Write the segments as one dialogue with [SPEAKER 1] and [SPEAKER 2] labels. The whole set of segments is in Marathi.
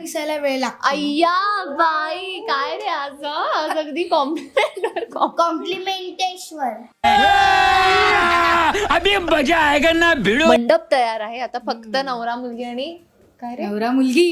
[SPEAKER 1] दिसायला वेळ लागतो.
[SPEAKER 2] अय्या बाई काय रे आज अगदी
[SPEAKER 1] कॉम्प्लिमेंटेश्वर.
[SPEAKER 3] अभी मजा आएगा ना भिड़ो.
[SPEAKER 2] मंडप तयार आहे आता फक्त नवरा मुलगी आणि काय रे
[SPEAKER 1] नवरा मुलगी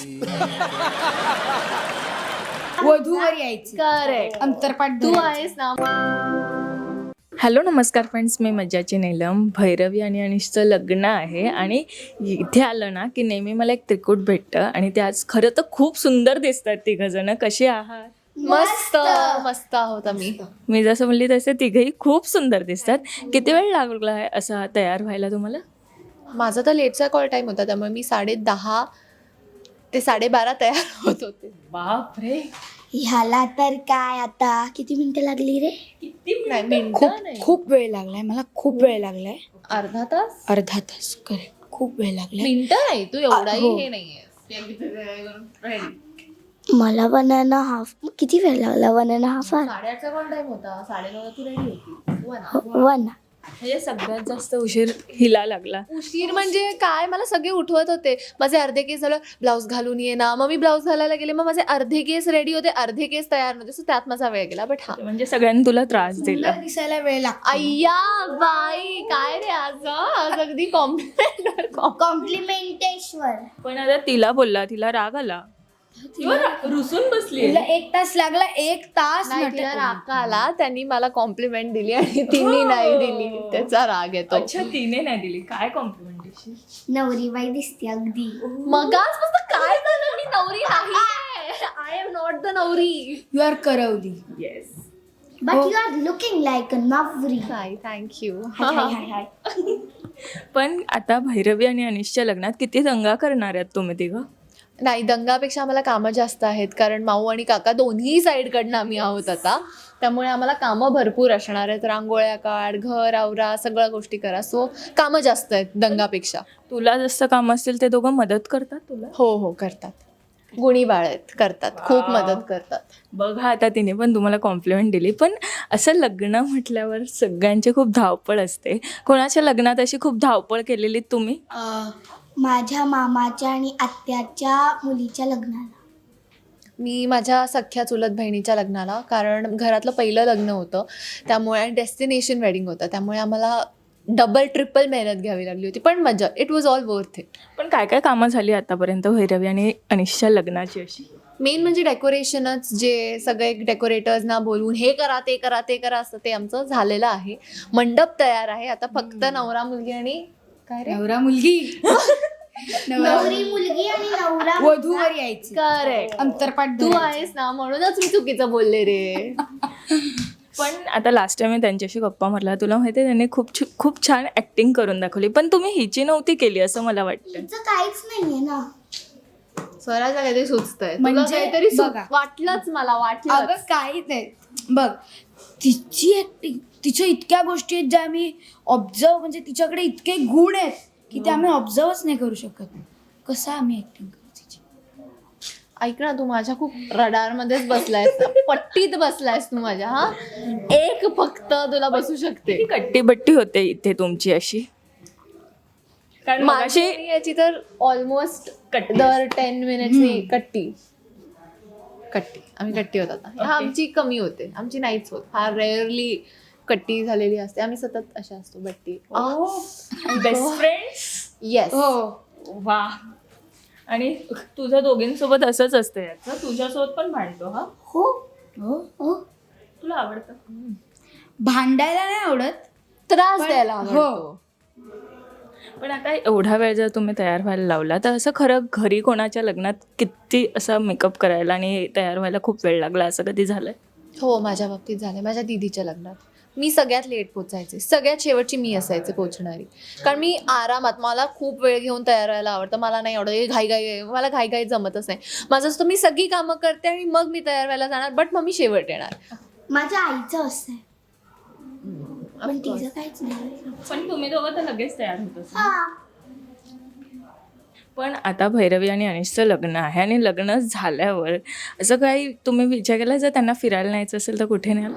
[SPEAKER 1] वधूवर यायची.
[SPEAKER 2] करेक्ट
[SPEAKER 1] अंतरपाठ
[SPEAKER 2] तू
[SPEAKER 1] धरायचं.
[SPEAKER 2] आहेस ना.
[SPEAKER 4] हॅलो नमस्कार फ्रेंड्स, मी मज्जाची नीलम. भैरवी आणि अनिशचं लग्न आहे आणि इथे आलं ना की नेहमी मला एक त्रिकूट भेटतं आणि ते आज खरं तर खूप सुंदर दिसतात तिघंजणं. कसे आहात?
[SPEAKER 2] मस्त मस्त आहोत आम्ही.
[SPEAKER 4] मी जसं म्हणली तसे तिघंही खूप सुंदर दिसतात. किती वेळ लागला आहे असा तयार व्हायला तुम्हाला?
[SPEAKER 2] माझा तर लेटचा कॉल टाइम होता त्यामुळे मी 10:30 ते 12:30 तयार होत होते.
[SPEAKER 4] बापरे,
[SPEAKER 1] ह्याला तर काय आता किती मिनिटं लागली रे?
[SPEAKER 2] नाही मिनिटं नाही,
[SPEAKER 1] खूप वेळ लागलाय मला. खूप वेळ लागलाय.
[SPEAKER 2] अर्धा तास.
[SPEAKER 1] अर्धा तास. करेक्ट. खूप वेळ लागलाय.
[SPEAKER 2] मिनिटं नाही, तू एवढाही
[SPEAKER 1] हो.
[SPEAKER 2] हे नाहीये.
[SPEAKER 1] मला 1.5 किती वेळ लागला? 1.5
[SPEAKER 2] साडेआठचा कॉल टाइम होता. 9:30 तू रेडी होती.
[SPEAKER 1] 1.
[SPEAKER 4] म्हणजे सगळ्यात जास्त उशीर हिला लागला.
[SPEAKER 2] उशीर म्हणजे काय, मला सगळे उठवत होते. माझे अर्धे केस झालं, ब्लाऊज घालून ये ना. मग मी ब्लाऊज घालायला गेले, मग माझे अर्धे केस रेडी होते, अर्धे केस तयार नव्हते. सो त्यात माझा वेळ गेला. बट हा
[SPEAKER 4] म्हणजे सगळ्यांनी तुला त्रास दिला.
[SPEAKER 1] दिसायला वेळ लागतो.
[SPEAKER 2] अय्या बाई काय रे आज अगदी
[SPEAKER 1] कॉम्प्लिमेंटेश्वर.
[SPEAKER 4] पण आता तिला बोलला, तिला राग आला, रुसून बसली.
[SPEAKER 1] तुला 1 तास लागला. 1 तास
[SPEAKER 2] नाही,
[SPEAKER 1] नाटक
[SPEAKER 2] तिला
[SPEAKER 1] केलं.
[SPEAKER 2] राग आला. त्यांनी मला कॉम्प्लिमेंट दिली आणि तिने नाही दिली. त्याचा राग येतो.
[SPEAKER 4] अच्छा, तिने नाही दिली. काय कॉम्प्लिमेंटेशन?
[SPEAKER 1] नवरी बाई दिसते अगदी.
[SPEAKER 2] मगाच मस्त काय झालं, मी नवरी नाही. आय एम नॉट द नवरी.
[SPEAKER 1] यू आर करवली.
[SPEAKER 4] Yes.
[SPEAKER 1] But you are looking like a नवरी.
[SPEAKER 2] Hi thank you.
[SPEAKER 1] हाय.
[SPEAKER 4] पण आता भैरवी आणि अनिशच्या लग्नात किती दंगा करणार आहेत तुम्ही तिघं?
[SPEAKER 2] नाही, दंगापेक्षा आम्हाला कामं जास्त आहेत. कारण माऊ आणि काका दोन्ही साईडकडनं आम्ही आहोत आता. त्यामुळे आम्हाला कामं भरपूर असणार आहेत. रांगोळ्या काढ, घर आवरा, सगळ्या गोष्टी करा. सो कामं जास्त आहेत दंगापेक्षा.
[SPEAKER 4] तुला जसं काम असेल ते दोघं मदत करतात तुला?
[SPEAKER 2] हो करतात. गुणी बाळ आहेत, करतात, खूप मदत करतात.
[SPEAKER 4] बघा, आता तिने पण तुम्हाला कॉम्प्लिमेंट दिली. पण असं लग्न म्हटल्यावर सगळ्यांची खूप धावपळ असते. कोणाच्या लग्नात अशी खूप धावपळ केलेली तुम्ही?
[SPEAKER 1] माझ्या मामाच्या आणि आत्याच्या मुलीच्या लग्नाला.
[SPEAKER 2] मी माझ्या सख्ख्या चुलत बहिणीच्या लग्नाला, कारण घरातलं पहिलं लग्न होतं त्यामुळे डेस्टिनेशन वेडिंग होतं, त्यामुळे आम्हाला डबल ट्रिपल मेहनत घ्यावी लागली होती. पण मजा, it was all worth it.
[SPEAKER 4] पण काय काय कामं झाली आतापर्यंत भैरवी आणि अनिशच्या लग्नाची अशी?
[SPEAKER 2] मेन म्हणजे डेकोरेशनच. जे सगळे डेकोरेटर्सना बोलवून हे करा ते करा ते करा असं ते आमचं झालेलं आहे. मंडप तयार आहे आता फक्त नवरा मुलगी आणि काय रे
[SPEAKER 1] नवरा मुलगी नवरी मुलगी आणि नवरा वधूवर यायची.
[SPEAKER 2] करेक्ट.
[SPEAKER 1] अंतरपाठ
[SPEAKER 2] तू
[SPEAKER 1] धरायचं.
[SPEAKER 2] आहेस ना, म्हणूनच मी चुकीचं बोलले रे.
[SPEAKER 4] पण आता लास्ट टाइम मी त्यांच्याशी गप्पा मारला, तुला माहिती आहे त्यांनी खूप छान ॲक्टिंग करून दाखवली. पण तुम्ही हिची नव्हती केली असं मला वाटतं.
[SPEAKER 1] तिचं काहीच नाहीये ना.
[SPEAKER 2] स्वराचं काहीतरी सुचतंय.
[SPEAKER 1] म्हणजे
[SPEAKER 2] तुला काहीतरी
[SPEAKER 1] बघा.
[SPEAKER 2] वाटलंच, मला वाटलं.
[SPEAKER 1] अगं काहीच नाही. बघ, तिची ऍक्टिंग, तिच्या इतक्या गोष्टी आहेत ज्या आम्ही ऑब्झर्व, म्हणजे तिच्याकडे इतके गुण आहेत की ते आम्ही ऑब्झर्वच नाही करू शकत. कसं आम्ही ऍक्टिंग करू तिची?
[SPEAKER 2] ऐक ना, तू माझ्या खूप रडारमध्येच बसलायस, पट्टीत बसलायस तू माझ्या. हा, एक फक्त तुला बसू शकते.
[SPEAKER 4] ती कट्टीबट्टी होते इथे तुमची अशी. कारण
[SPEAKER 2] माझी
[SPEAKER 4] मगाशी
[SPEAKER 2] याची तर ऑलमोस्ट दर 10 मिनिट्सनी कट्टी आम्ही कट्टी होत आता. हा आमची कमी होते, आमची नाहीच होत. फार रेअरली कट्टी झालेली असते. आम्ही सतत अशा असतो बट्टी.
[SPEAKER 4] Best friends.
[SPEAKER 2] येस.
[SPEAKER 1] हो.
[SPEAKER 4] वा. आणि तुझ्या दोघींसोबत असंच असतं याचं, तुझ्यासोबत पण भांडतो. हा,
[SPEAKER 1] हो हो हो.
[SPEAKER 4] तुला आवडतं?
[SPEAKER 1] भांडायला नाही आवडत,
[SPEAKER 2] त्रास द्यायला आवडतो.
[SPEAKER 4] पण आता एवढा वेळ जर तुम्ही तयार व्हायला लावला तर असं खरं घरी कोणाच्या लग्नात किती असा मेकअप करायला आणि तयार व्हायला खूप वेळ लागला असं कधी झालंय?
[SPEAKER 2] हो, माझ्या बाबतीत झालंय. माझ्या दीदीच्या लग्नात मी सगळ्यात लेट पोचायचे, सगळ्यात शेवटची मी असायचे पोचणारी. कारण मी आरामात, मला खूप वेळ घेऊन तयार व्हायला आवडतं. मला नाही आवडत घाई, मला घाई जमतच नाही. माझं असतं मी सगळी कामं करते आणि मग मी तयार व्हायला जाणार, बट मग मी शेवट येणार.
[SPEAKER 1] माझ्या आईचं असं आहे, पण तिचं काहीच नाही.
[SPEAKER 4] पण तुम्ही दोघं तर लगेच तयार होत असाल.
[SPEAKER 1] हा.
[SPEAKER 4] पण आता भैरवी आणि अनिशचं लग्न आहे आणि लग्न झाल्यावर असं काही तुम्ही विचार केला जर त्यांना फिरायला न्यायचं असेल तर कुठे न्याल?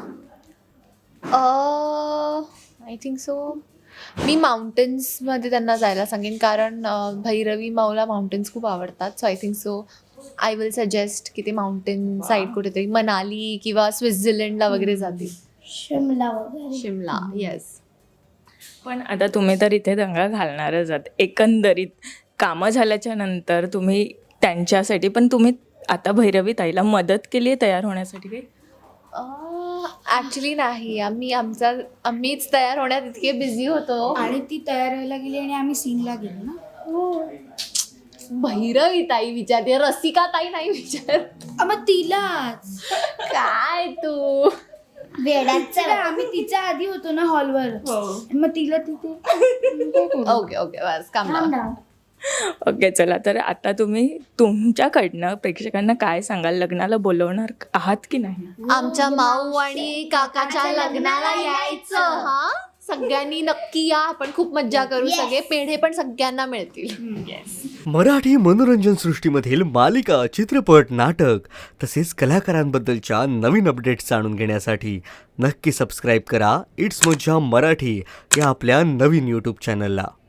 [SPEAKER 2] आय थिंक सो मी माउंटेन्समध्ये त्यांना जायला सांगेन, कारण भैरवी माऊला माउंटेन्स खूप आवडतात. So I think so I will suggest की ते माउंटेन साईड कुठेतरी मनाली किंवा स्वित्झर्लंडला वगैरे जातील.
[SPEAKER 1] शिमला वगैरे.
[SPEAKER 2] शिमला, येस.
[SPEAKER 4] पण आता तुम्ही तर इथे दंगा घालणारच आहात एकंदरीत कामं झाल्याच्या नंतर तुम्ही त्यांच्यासाठी, पण तुम्ही आता भैरवी ताईला मदत केली आहे तयार होण्यासाठी काही?
[SPEAKER 2] ॲक्च्युली नाही, आम्हीच तयार होण्यात इतके बिझी होतो.
[SPEAKER 1] आणि ती तयार व्हायला गेली आणि आम्ही सीनला गेलो ना.
[SPEAKER 2] भैरवी ताई विचारते, रसिका ताई नाही विचार.
[SPEAKER 1] मग तिलाच
[SPEAKER 2] काय तू
[SPEAKER 1] वेडाचं आम्ही तिच्या आधी होतो ना हॉलवर, मग तिला तिथे.
[SPEAKER 2] ओके बस काम.
[SPEAKER 4] ओके चला, तर आता तुम्ही तुमच्याकडनं प्रेक्षकांना काय सांगाल? लग्नाला बोलवणार आहात की नाही?
[SPEAKER 2] आमच्या माऊ आणि काकाच्या लग्नाला यायचं. हा, सगळ्यांनी नक्की या, आपण खूप मज्जा करू. सगळे पेढे पण सगळ्यांना मिळतील.
[SPEAKER 5] मराठी मनोरंजन सृष्टीमधील मालिका, चित्रपट, नाटक तसेच कलाकारांबद्दलच्या नवीन अपडेट्स जाणून घेण्यासाठी नक्की सबस्क्राईब करा इट्स मज्जा मराठी या आपल्या नवीन यूट्यूब चॅनलला.